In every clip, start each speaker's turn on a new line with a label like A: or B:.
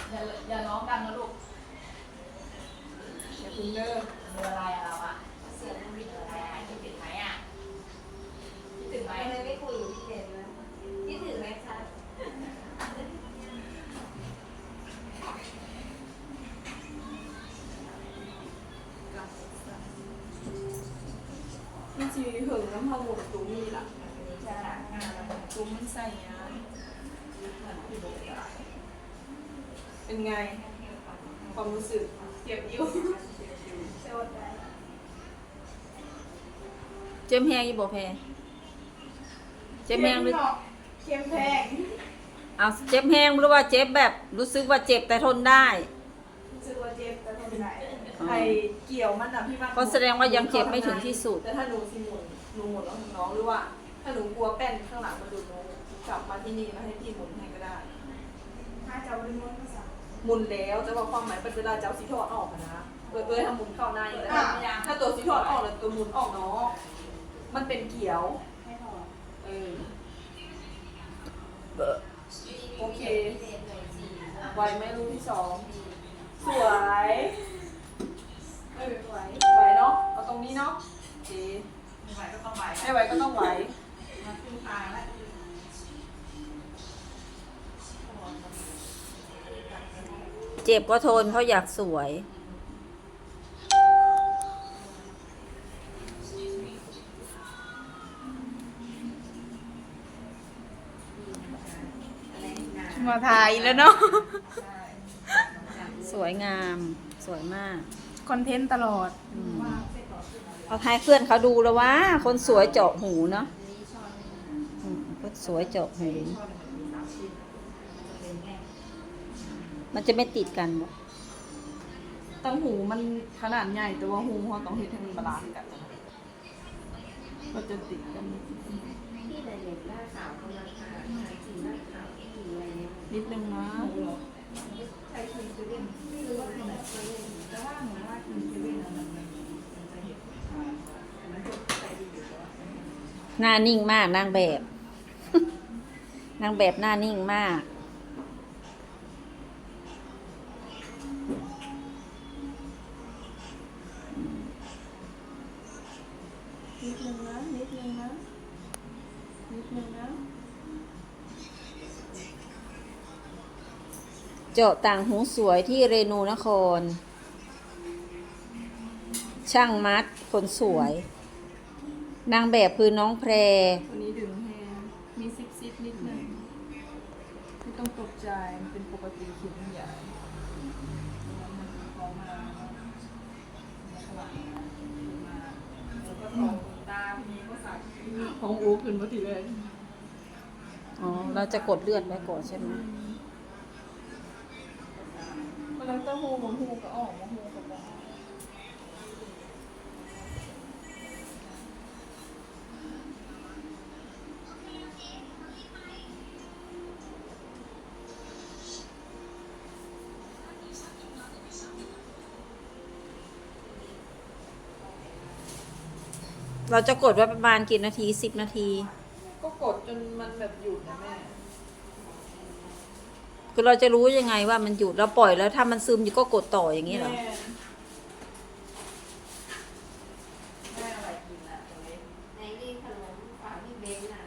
A: อย่าร้องดังนะลูกอย่าพึ่งเลิกเบอร์อะไรอะเราอะเสียงมันมีอะไรอะคิดถึงไหมอะคิดถึงไหม
B: ทำไมไม่คุยกับพี่เจนนะคิดถึงไหมคะ
C: มันจีหึงน้ำพะหมดตุ้มีล่ะ
A: จะหางาน
C: ตุ้มมันใส่ยาเป็นไงความรู้สึกเจ็บอยู่
D: เจ็บแห้งอยู่บ่แพรเจ็บแห้งหรือ
C: เค็มแพง
D: เอาเจ็บแห้งหรือว่าเจ็บแบบรู้สึกว่าเจ็บแต่ทนได้
C: รู้สึกว่าเจ็บแต่ทนได้ไอเกี่ยวมันอะพี่ว่า
D: ก็แสดงว่ายังเจ็บไม่ถึงที่สุด
C: แต่ถ้าหนูสิหมุนหนูหมุนแล้วน้องหรือว่า ถ้าหนูกลัวแป้นข้างหลังมาดูหนูกลับมาที่นี่แล้วให้พี่หมุนให้ก็ได้
B: ถ้าจะเอาเรื่องภาษา
C: หมุนแล้วแต่ว่าความหมายเป็นเวลาจะเอาสีทอดออกอะนะทำหมุนเข้าในแล้วถ้าตัวสีทอดออกแล้วตัวหมุนออกเนาะมันเป็นเกี่ยว
B: ให้พอ
C: เออโอเคไวไหมรูปที่สองสวยไหวเนาะเอาตรงนี้เนาะโอเค
A: ไม่ไหวก็ต้องไหว
C: ไม่ไหวก็ต้องไหว
A: มาขึ้นทางแล้ว
D: เจ็บก็ทนเพราะอยากสวย
C: มาถ่ายแล้วเนาะ
D: สวยงามสวยมาก
C: คอนเทนต์ตลอด
D: เอาให้เพื่อนเขาดูแล้วว่าคนสวยเจาะหูเนาะคนสวยเจาะหูมันจะไม่ติดกันบ่
C: ตั้งหูมันขนาดใหญ่แต่ว่าหูเขาต้องเฮ็ดให้มันบาลานซ์กันนะก็จะติดกัน
B: พี่แต่เด็กหน้าขาวกำลังขาสีหน้าขาวสีอะไรเนี่ย
C: นิดนึงนะ
B: ใช้คีย์เซเว่นไม่รู้ว่าทำแบบเซเว่นแต่ว่าเหมือนว่าคีย์เซเว่นมันจะเห็นมันจะใจดีอยู่แล้ว
D: หน้านิ่งมากนางแบบ นางแบบหน้านิ่งมาก
C: นิดนึงนะนิดนึงนะนิดนึงนะ
D: เจาะต่างหูสวยที่เรนูนคร ช่างมัดคนสวย นางแบบคือน้องแพร
C: วันนี้ดึงแฮงมีซิปนิดนึงไม่ต้องตกใจมันเป็นปกติเข็มใหญ่
A: ตามีภาษา
C: ของอูขึ้นมาทีเลย
D: อ๋อ เราจะกดเลือดไว้ก่อนใช่ไหม
C: มันแล้วแต่หูบางหูก็ออกบางหูก็บอก
D: เราจะกดไว้ประมาณกี่นาที10 นาที
C: ก็กดจนมันแบบหยุดนะแม่
D: คือเราจะรู้ยังไงว่ามันหยุดเราปล่อยแล้วถ้ามันซึมอยู่ก็กดต่ออย่างนี้เหรอ
C: แม่
A: ได้อะไรกินอะตรงนี้
B: ในนี่ขนมฝากพี่เบนน่ะ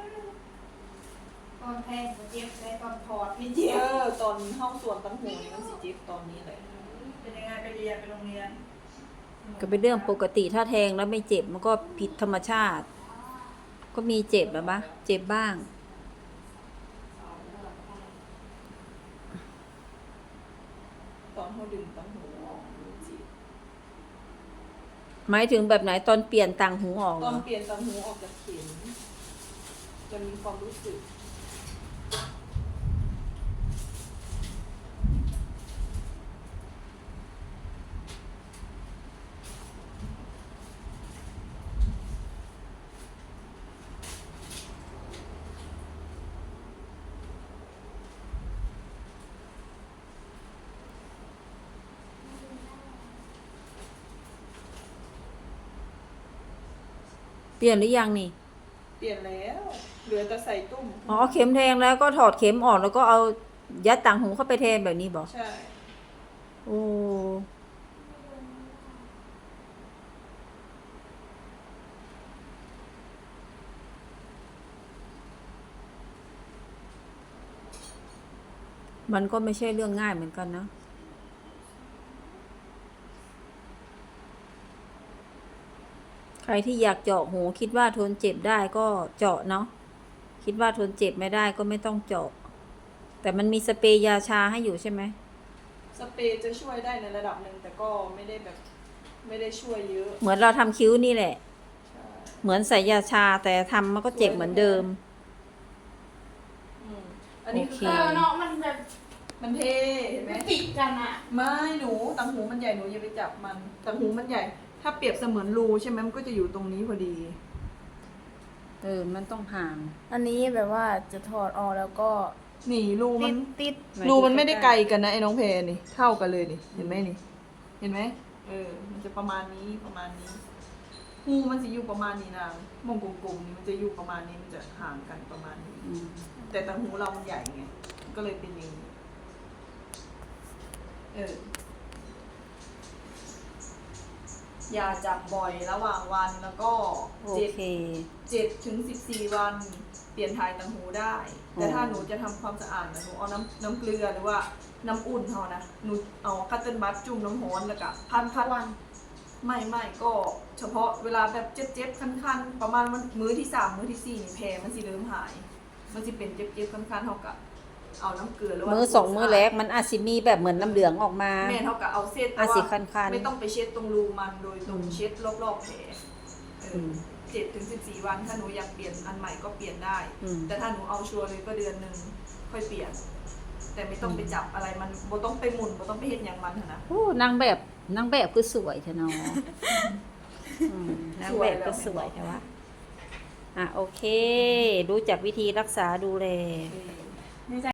B: ตอนแทงเจ็บได้ตอนถอดไม่เจ็บ
C: ตอนห้องส่วนตั้งหูนี่มันสิจิ๊บตอนนี้เลย
A: เป็นยังไงไปเรียนไปโรงเรียน
D: ก็เป็นเรื่องปกติถ้าแทงแล้วไม่เจ็บมันก็ผิดธรรมชาติ ก็มีเจ็บแบบปะเจ็บบ้าง
C: ตอนเขาดึงตั้งหูออกมันจิ๊บ
D: หมายถึงแบบไหนตอนเปลี่ยนต่างหูออก
C: ต
D: เหร
C: อน
D: อ
C: เปลี่ยนตั้งหูออกจากเข็มจะมีความรู้สึก
D: เปลี่ยนหรือยังนี่
C: เปลี่ยนแล้วเหลือแต่ใส่ตุ้ม
D: อ๋อเข็มแทงแล้วก็ถอดเข็มออกแล้วก็เอายัดต่างหูเข้าไปแทนแบบนี้บอก
C: ใช่
D: โอ้มันก็ไม่ใช่เรื่องง่ายเหมือนกันนะ ใครที่อยากเจาะหูคิดว่าทนเจ็บได้ก็เจาะเนาะ คิดว่าทนเจ็บไม่ได้ก็ไม่ต้องเจาะ แต่มันมีสเปรย์ยาชาให้อยู่ใช่ไหม
C: สเปรย์จะช่วยได้ในระดับหนึ่งแต่ก็ไม่ได้แบบไม่ได้ช่วยเยอะ
D: เหมือนเราทำคิ้วนี่แหละ
C: ใช่
D: เหมือนใส่ยาชาแต่ทำมันก็เจ็บเหมือนเดิม
C: อันนี้
D: โอเค
C: คือ
A: เนาะมันแบบ
C: มันเทเห็นไหม
A: มันติดกันอ่ะ
C: ไม่หนูต่างหูมันใหญ่หนูอย่าไปจับมันต่างหูมันใหญ่ ถ้าเปรียบเสมือนรูใช่ไหมมันก็จะอยู่ตรงนี้พอดี
D: มันต้องห่าง
A: อันนี้แบบว่าจะถอดออกแล้วก็
C: นี่รูมัน
A: ติด
C: รูมันไม่ได้ไกลกันนะไอ้น้องเพนี่เท่ากันเลยนี่เห็นไหมนี่ เห็นไหมมันจะประมาณนี้ประมาณนี้งูมันจะอยู่ประมาณนี้นะมงกลมๆนี่มันจะอยู่ประมาณนี้มันจะห่างกันประมาณนี้ แต่ต่างหูเรามันใหญ่ไงก็เลยเป็นอย่างนี้อย่าจับบ่อยระหว่างวันแล้วก็
D: โอเค
C: 7 ถึง 14 วันเปลี่ยนถ่ายต่างหูได้ แต่ถ้าหนูจะทำความสะอาดนะหนูเอาน้ำเกลือหรือว่าน้ำอุ่นเท่านะหนูเอาคัตเติ้ลบัตจุ่มน้ำร้อนแล้วก็พันวันไม่ก็เฉพาะเวลาแบบเจ็บๆคันๆประมาณวันมื้อที่ 3 มื้อที่ 4นี่แผลมันสิเริ่มหาย มันสิเป็นเจ็บๆคันๆเท่ากับเอาน้ำเกลือหรือว่า
D: มือสองมือแรกมันอาจสิมีแบบเหมือนน้ำเหลืองออกมา
C: แม่เท่ากับเอาเส้น
D: อาจสิคันๆ
C: ไม่ต้องไปเช็ดตรงรูมันโดยตรงเช็ดรอบๆแผล
D: ม
C: 7 ถึง 14 วันถ้าหนูอยากเปลี่ยนอันใหม่ก็เปลี่ยนได้
D: อืม
C: แต่ถ้าหนูเอาชัวร์เลยก็เดือนหนึ่งค่อยเปลี่ยน แต่ไม่ต้องไปจับอะไรมันบ่ต้องไปหมุนบ่ต้องไปเฮ็ดอย่างมันหั้นนะ
D: โอ้นางแบบคือสวยเถอะเนาะนางแบบก็สวยแต่ว่าโอเค รู้จักวิธีรักษาดูแล
C: เออ